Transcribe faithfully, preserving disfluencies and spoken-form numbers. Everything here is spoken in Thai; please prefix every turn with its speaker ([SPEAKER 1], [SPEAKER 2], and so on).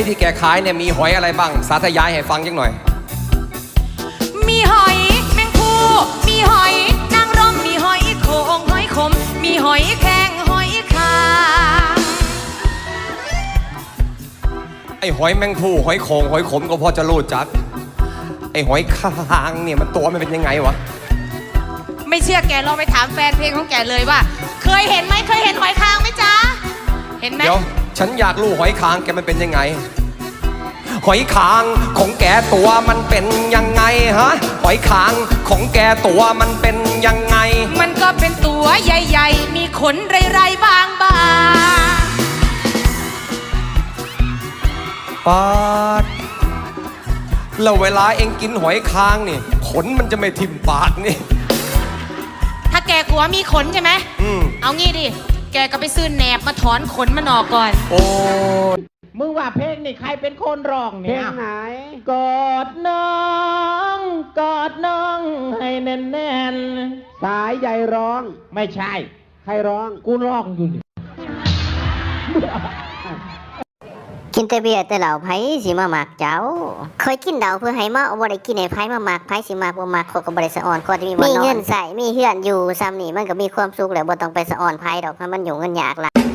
[SPEAKER 1] ที่แกขายเนี่ยมีหอยอะไรบ้างสาธยายให้ฟังจังหน่อย
[SPEAKER 2] มีหอยแมงภูมีหอยนางรมมีหอยโขงหอยขมมีหอยแครงหอยคา
[SPEAKER 1] ไอ้หอยแมงภูหอยโขงหอยขมก็พอจะรู้จักไอ้หอยคางเนี่ยมันตัวมันเป็นยังไงวะ
[SPEAKER 2] ไม่เชื่อแกลองไปถามแฟนเพลงของแกเลยว่าเคยเห็นไหมเคยเห็นหอยคางไหมจ๊ะเห็นไหม
[SPEAKER 1] เดี๋ยวฉันอยากรู้หอยคางแกมันเป็นยังไงหอยคางของแกตัวมันเป็นยังไงฮะหอยคางของแกตัวมันเป็นยังไง
[SPEAKER 2] มันก็เป็นตัวใหญ่ๆมีขนไรๆบาง
[SPEAKER 1] ๆปาดแล้วเวลาเองกินหอยคางนี่ขนมันจะไม่ทิ่มปากนี่
[SPEAKER 2] ถ้าแกกลัวมีขนใช่ไหมอืมเอางี้ดิแกก็ไปซื้อแหนบมาถอนขนมันออกก่อน
[SPEAKER 1] โอ้
[SPEAKER 3] มึงว่าเพลงนี่ใครเป็นคนร้องเนี่ยเพลงไหนกอดน้องกอดน้องให้แน่นๆสายใหญ่ร้องไม่ใช่ใครร้องกูร้องอยู่
[SPEAKER 4] กินแต่เบียร์แต่เหล่าไผ่สิมาหมักเจ้าเคยกินเหล้าเพื่อให้เมาบ่ได้กินให้ไผ่มาหมักไผ่สิมาบ่มักเขาก็บ่ได้สะอ่อนก็มีบ่นอนมีเงินใส่มีเฮือนอยู่ซ้ำนี่มันก็มีความสุขแล้วบ่ต้องไปสะอ่อนไผ่ดอกเพราะมันอยู่เงินยากล่ะ